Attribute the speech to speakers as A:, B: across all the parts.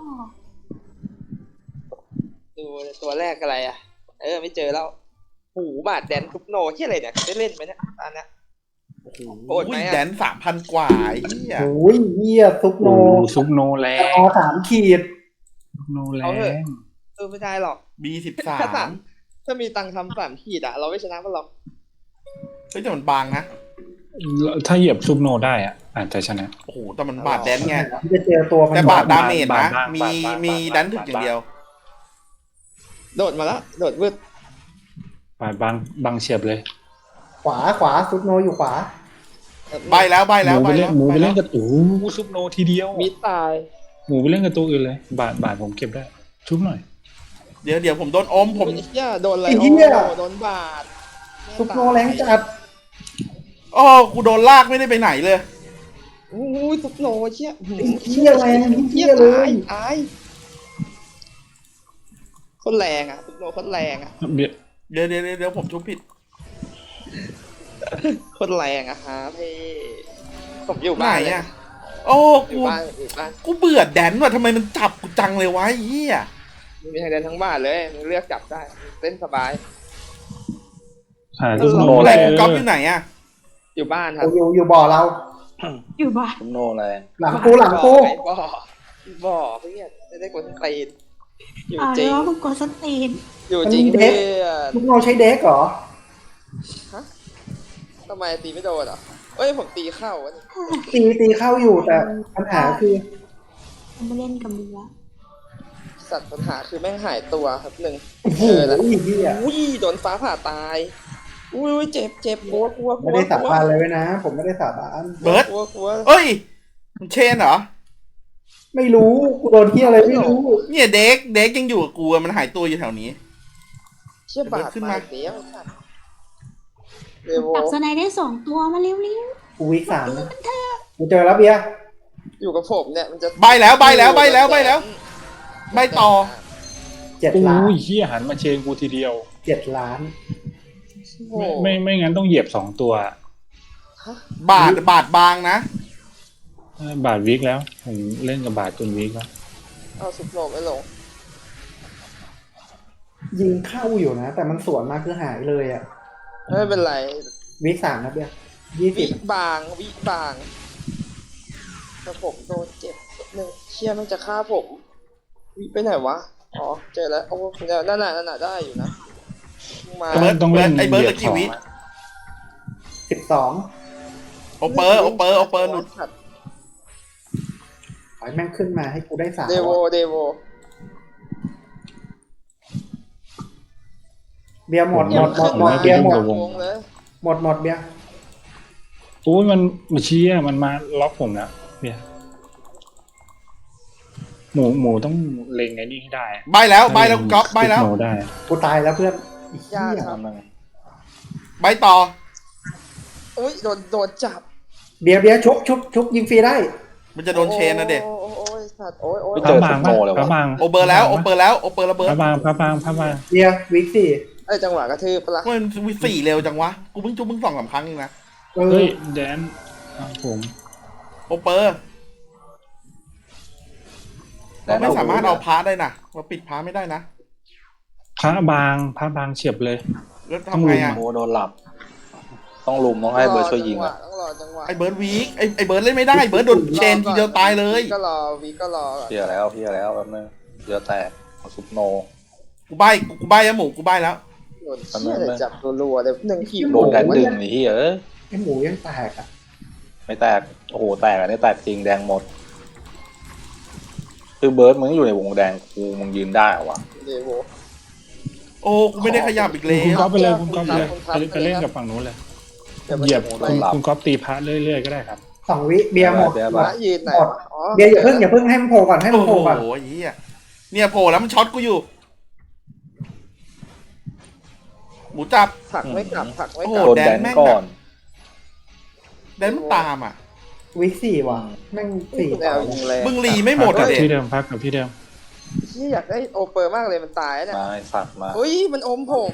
A: ดูตัวแรกอะไรอ่ะไม่เจอแล้วหูบาดแดนทุบโนที่อะไรเนี่ยได้เล่นไหมเนี่ยอันเนี้ยโหดไหม
B: แด
A: อ่ะ
B: น3,000 กว่าเฮีย
C: โอ้ยเหี้ยซุปโน
D: ซุปโนแร
C: เอา
D: ง
C: 3 ขีด
D: ซุปโนแร
A: เอาเถอะ
D: ง
A: ไม่ได้หรอก
B: B13
A: ถ้ามีตังค์ทำ3 ขีดอ่ะเราไม่ชนะมันหรอก
B: เฮ้ยแต่มันบางนะ
D: ถ้าเหยียบซุปโนได้อ่ะอาจจะชนะ
B: โอ้โหแต่มันบาดแดนไง
C: จะเจอตัวมัน
B: แต่บาดดาเมจ
D: บา
B: นะ
D: ดบ้าง
B: มี
D: บาดบ้าง
B: มี
D: บาดบ้าง
B: ดันถึกอย่างเดียว
A: โดดมาแล้วโดดวืด
D: บาดบางเฉียบเลย
C: ขวาซุปโนอยู่ขวา
B: ใบแล้ว
D: หมูไปเล่นหมูไปเล่นกับซุปโนทีเดียว
A: มิดตาย
D: หมูไปเล่นกับตัวอื่นเลยบาดผมเก็บได้ชุบหน่อย
B: เดี๋ยวผมโดนอมผม
A: เหี้ยโดนอะไร
C: ไอ้เหี้ย
A: โดนบาด
C: ซุปโนแรงจัด
B: อ๋อกูโดนลากไม่ได้ไปไหนเลย
A: โอ้ยซุปโนเชี่ย
C: เหี้ยแรงเหี้ยเลย
A: ตายคนแรงอ่ะซุปโนคนแรงอ่ะ
D: เบียด
B: เดี๋ยวผมชุบผิด
A: คนแรงอะฮะพี่ผมอยู่
B: ไหน
A: บ้านเลย
B: อ่ะโอ้
A: อยู่บ้านอยู่บ้าน
B: กูเบื่อแดนว่ะทำไมมันจับกูจังเลยวะไอ้เฮีย
A: มีทางเดินทั้งบ้านเลยเลือกจับได้เต้นสบาย
D: ซุปโน
B: อะไร
D: แรง
B: กูก๊อฟอยู่ไหนอ่ะ
A: อยู่บ้านครับ
C: อยู่บ่อเรา
E: อยู่บ้าน
F: ซุปโนแรง
C: หลังกู
A: บ่อเพื่อนไม่ได้กดตีนอยู่
E: อ่า
A: จริง
E: แล้วมึงกดสตีน
A: อยู่จริงเพื่อน
C: ซุปโนใช้เด็กเหรอ
A: ทำไมตีไม่โดนอ่ะผมตีเข้าวะนี่
C: ตีเข้าอยู่แต่ปัญหาคือ
E: มันไม่เล่นกับมึงละ
A: สัตว์ปัญหาคือแม่งหายตัวครับหนึ่ง
C: โอ้โห
A: แล้ว
C: เหี้ย
A: อุ้ยโดนฟ้าผ่าตายอุ้ยเจ็บกลัว
C: ไม่ได้สาบานเลยนะ ผมไม่ได้สาบาน
B: เบิร์ด
A: กลัว
B: เอ้ยมันเชนเหรอ
C: ไม่รู้กูโดนเหี้ยอะไรไม่รู้
B: เนี่ยเด็กยังอยู่กับกูอะมันหายตัวอยู่แถวนี้
A: เชี่ยบาด
B: ขึ้น
A: มา
B: มา
A: เดี๋ยวสัตว์เดโว
E: จับสไนได้2 ตัวมาเร็ว
C: กูวิก3นะกูเจอแล้วเบียร์
A: อยู่กับผมเนี่ยมันจะ
B: ใบแล้วใบต่อ
C: 7 ล้าน
D: โอ้ยเฮียหันมาเชนกูทีเดียว
C: 7 ล้าน
A: โอ้
D: ไม่งั้นต้องเหยียบ2 ตัว
B: บาดบางนะ
D: บาดวิกแล้วผมเล่นกับบาดจนวิกแล้ว
A: เอาสุดโหลไม่ลง
C: ยิงเข้าอยู่นะ แต่มันสวนมาคือหายเลยอ่ะ
A: ไม่เป็นไร
C: วิก3นะเบียร์
A: วิ
C: 20
A: บางแต่ผมโดนเจ็บหนึ่งเชี่ยมันจะฆ่าผมวิไปไหนวะอ๋อเจอแล้วโอ้นั่นน่ะได้อยู่นะมา
B: เบิร์ด
D: ต้องเล่น
B: ไอ้เบิร์ด
D: เหยีย
B: ตะกี้วิ
C: 12
B: โอเปอร์หนุด
C: ขอให้แม่งขึ้นมาให้กูได้3
A: เดโว
C: เบียร์หมด
A: ยังขึ้นมา
C: เบียร์หมด
A: วงเลย
C: หมดเบียร์
D: โอ้ยมันมาเชียมันมาล็อกผมแล้วเบียร์หมูต้องเล็งไอ้นี่ให้ได้
B: ใบแล้วก๊อฟใบแล้ว
D: ซุปโนได้
C: กูตายแล้วเพื่อนอีก
A: ยาก
C: เหี้ย
A: ครับ
F: ทำยังไง
B: ใบต่อ
A: อุ้ยโดนจับ
C: เบียร์ชุบยิงฟรีได้
B: มันจะโดนเชนนะเด็ก
A: โอ้ยสัตว์โอ้ย
F: ไม่
D: พ
F: เจ
D: ระ
F: อ
D: บา
F: ซุ
D: ง
F: ปโนเลยวะ
D: พระบาง
B: โอเปอร์แล้วระเบิด
D: พระบาง
C: เบียร์วิก4
A: จังหวะกระทืบปะล่ะ
B: มันวิสี่เร็วจังวะกูเพิ่งจุบมึง2-3 ครั้งเองนะ
D: เฮ้ยแดนผม
B: โอเปอร์เราไม่สามารถเอาพาได้นะเราปิดพาไม่ได้นะ
D: พระบางเฉียบเลย
B: แล้วทำไงอ่ะ
F: โอ้โดนหลับ ต้องลุมต้องให้เบิร์ดช่วยยิงอ่ะ
A: ต้องรอจังหวะ
B: ไอเบิร์ดวีคไอเบิร์ดเล่นไม่ได้เบิร์ดโดนเชนทีเดียวตายเลย
A: ก็รอก่อน
F: เพียแล้วแป๊บนึงเดี๋ยวแตกเอาซุปโน
B: กูใบแล้วหมูกูใบแล้ว
A: โดนเชี่ยเลยจับรัวๆเลยหนึ่งขีด
F: โดนแดนดึงนี่เฮ้ย
C: ไอ้หมูยังแตกอ่ะ
F: ไม่แตก โอ้โห แตกอันนี้แตกจริงแดงหมด คือเบิร์ดมึงอยู่ในวงแดงกูมึงยืนได้เหรอวะ
A: เดโว
B: โอ้กูไม่ได้ขยับอีกแล้
D: คุณ
B: ว
D: ก๊อฟไปเลยคุณก๊อฟไปเลย
A: คุณก๊อฟ
D: ไปเล่นกับฝั่งนู้นเลย
A: ดี๋วมัน
D: เหยียบ
A: จะ
D: คุณก๊อฟตีพระเรื่อยๆก็ได้ครับ
C: 2 วิเบียร์หมด
F: เบียร์
A: มายืนไหนวะอ๋อ
C: เบียร์อย่าเพิ่งให้มันโผล่ก่อนให้มั
B: โอ้
C: น
B: โห
C: โผล่ก่อน
B: ไอ้เหี้ยเนี่ยโผล่แล้วมันช็อตกูอยู่ หมูจับ
A: ผักไม่กลับผักไม่
B: โอ้
A: ก
B: โห
A: ลับ
F: โดนแดนก่อน
B: แดนมันตามอ่ะ
C: วิก4ว่ะแม่ง4
A: แนวยิงแรง
B: มึงรีไม่หมด
D: พั
B: อ่ะ
D: ก
B: เด็
D: ที่เดิมพักกับที่เดิม
A: ที่อยากได้โอเปอร์มากเลยมันตายเนี่ย
F: มาไอ้สัตว์มา
A: เฮ้ยมันอมผม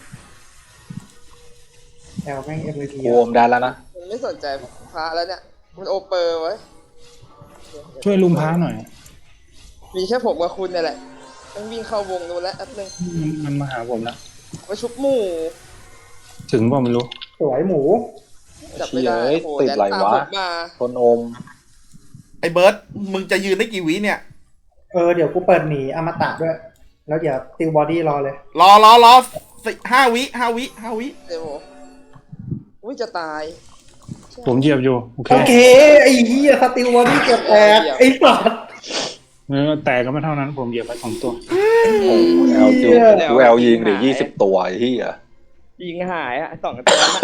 C: แอลแม่ง MVP
F: โอมแดนแล้วนะ
A: มันไม่สนใจพระแล้วเนี่ยมันโอเปอร์ไว้
D: ช่วยลุมพระหน่อย
A: มีแค่ผมกับคุณเนี่ยแหละต้องวิ่งเข้าวงนู้นแล้วแป๊บนึง
D: มันมาหาผมแล้ว
A: มาชุบหมู่
D: ถึงเปล่าไม่รู้
C: สวยหมู
A: จับไม่ได้
F: เชี่ย
A: โอ้โห
F: ติด
A: แดน
F: ไหล
A: ตาม
F: วะ
A: ผมมา
F: คนอม
B: ไอ้เบิร์ดมึงจะยืนได้กี่วิเนี่ย
C: เดี๋ยวกูเปิดหนีอมตะด้วย แล้วเดี๋ยวติวบอดี้รอเลย
B: รอ5 วิ
A: เดี๋ยวผมอุ้ยจะตาย
D: ผมเหยียบอยู่โอเค
C: โอเค ไอ้เหี้ยสติวบอดี้เกือบแตกไอ้สัส
D: แต่ก็ไม่เท่านั้นผมเหยียบไป2 ตัว
F: โอ้แอลจูดูแอลยิงเดี๋ยว20 ตัวไอ้ที่อ่ะ
A: ยิงหายอ่ะ2 ตัวนั้น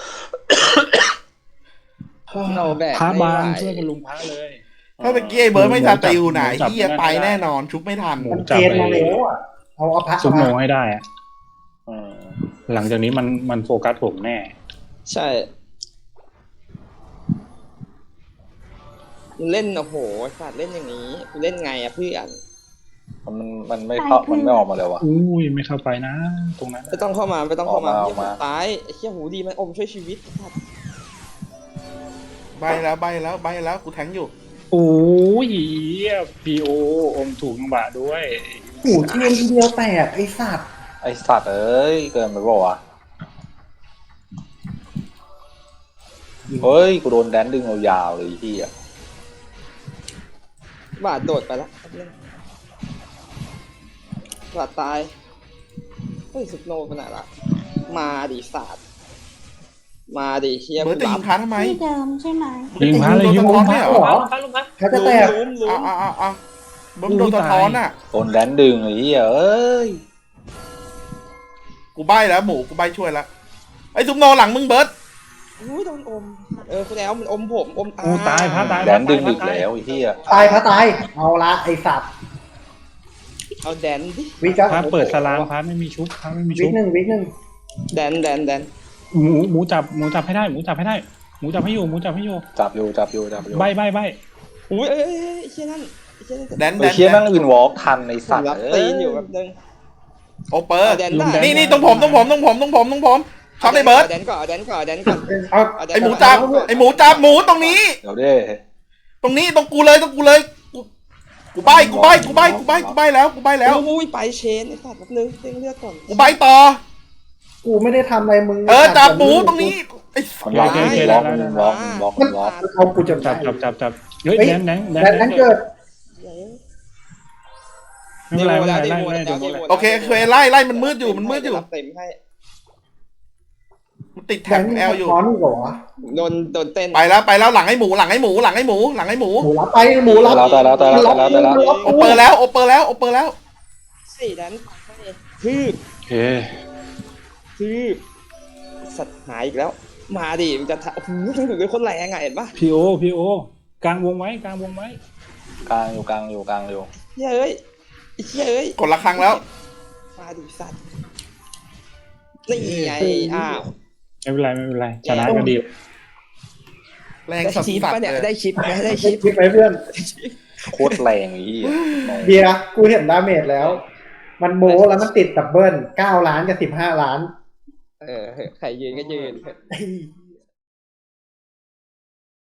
A: เราแบก
D: พระ
A: ไม่
D: บาง
A: ไหว
D: ช่วยกันลุมพระเลย
B: ถ้าตะกี้ไอ้เบิร์ดไม่สติลไหนเฮียไปแน่นอนชุบไม่ทัน
C: มันเกณฑ์มาแล้วอ่ะเอาพระ
D: ซุปโน
C: มา
D: ให้ได้อะ
F: อืม
D: หลังจากนี้มันโฟกัสผมแน่
A: ใช่เล่นโอ้โหสัตว์เล่นอย่างนี้เล่นไงอะเพื่อน
F: มันไม่เข้ามันไม่ออกมาเลยวะ
D: อุ้ยไม่เข้าไปนะ ตรงนั้น
A: ไม่ต้องเข้ามาไม่ต้องเข้ามา
F: ออกมา
A: ตายไอ้เหี้ยหูดีมันอมช่วยชีวิตสัตว์
B: ใบแล้วกูแทงอยู่
D: โอ้ยพีโออมถูกจังหวะด้วย
C: หมูเทียนทีเดียวแตกไอ้สัตว์
F: ไอสัตว์เอ้ยเกินไปบอกว่าวะเฮ้ยกูโดนแดนดึงยาวๆเลยไอ้ที่อ่ะ
A: บาดโดดไปแล้วเล่นบาดตายเฮ้ยสุดโนไปไหนละมาดิสัตว์มาดิเฮีย
B: เบิร์ดจะยิงพาทำไม
E: ที่เดิมใช่ไหม
D: ยิงพระเลยยิง
B: โดน
D: พ
B: สะ
D: ระ
B: ท้อนไม่เหรอ
C: เขาจะแตก
A: ลุ้ม
B: เอาเบิร์ดโดนสะท้อนอ่ะ
F: โดนแดนดึงไอ้ที่เอ้ย
B: กูใบแล้วหมูกูใบช่วยแล้วไอ้ซุปโนหลังมึงเบิร์ด
A: อุ้ยโดนอมคุณแอลมันอมผมอมตา
D: โอ้ตายพระตาย
F: แดนดึงอีกแล้วไอ้ที่อ่ะ
C: ตายพระตายเอาละไอ้สัตว์
A: เอาแดนดิ
C: วิกะ
D: พระเปิดสลามพระไม่มีชุบพระไม่มี
C: วิ
D: ชุ
C: ก
D: บ
C: หนึ่งวิกหนึ่ง
A: แดน
D: หมูจับให้ได้หมูจับให้ได้หมูจับให้อยู่
F: จับอยู่
D: ใบ
A: อุ้ยเอ้ยเชี่ยนั่นเชี่ยนั่น
B: แดน
F: ไอ้เชี่ยแม่งวินวอล์กทันไอ้
A: ผ
F: สัต
A: ม
F: ว์
A: รับ
F: เอ้
A: ตี
F: ย
A: นอยู่แบบนึง
B: โอเปอร์
A: แดนได้
B: นี่ตรงผมช็อตไอ้เบิร์ด
A: แดนก่อน
C: เอา
B: ไอ้หมูจับหมูตรงนี้
F: เดี๋ยวเด้
B: ตรงกูเลยกูใบแล้ว
A: อุ้ยไปเชนไอ้สัตว์แบบนึงเล่นเลือดก่อน
B: กูใบต่อ
C: กูไม่ได้ทำอะไรมึง
B: จับหมูตรงนี้ไอ้
F: มันล็อกมันล็อก
C: เอากูจน
D: จับเฮ้ยแดน
C: นั้นเกิด
D: ไม่เป็นไรไม่
A: แล้ว
D: เป็นไร
A: เดโม
D: ไล่
A: แล้ว
D: ดู
A: เดโม
B: โอเคเคยไล่มันมืดอยู่
A: เต็มให้
B: มันติด
C: แท
B: แท็
C: ง
B: บแอลอยู่
C: ร้อนเหรอ
A: โดนเต้น
B: ไปแล้วหลังไอ้หมู
C: หมูรับไปหมูรับ
F: ตายแล้ว
B: โอเปอร์แล้ว
A: สี่แดนฮือ
D: โอเค
A: สัตว์หายอีกแล้ว มาดิมันจะโอ้โหถึงเป็นคนแรงไงเห็นปะ
D: พีโอกลางวงไว้
F: กลางอยู่
A: เฮ้ยเอ้ย
B: กดละครั้งแล้ว
A: มาดิสัตว์นี่ไงอ้าว
D: ไม่เป็นไรชนะก็ดี
B: แรง
A: ได้
B: สัส
A: ชิป
B: สัส
A: ปะเนี่ย
B: เลย
A: ได้ชิปไหมได้ชิป
C: คิดไหมเพื่อน
F: โคตรแรงไอ้ที่
C: เบียร์กูเห็นดาเมจแล้ว มันโม้แล้วมันติดดับเบิล9 ล้านกับ15 ล้าน
A: ใครยืนก็ยืน
C: ไอ้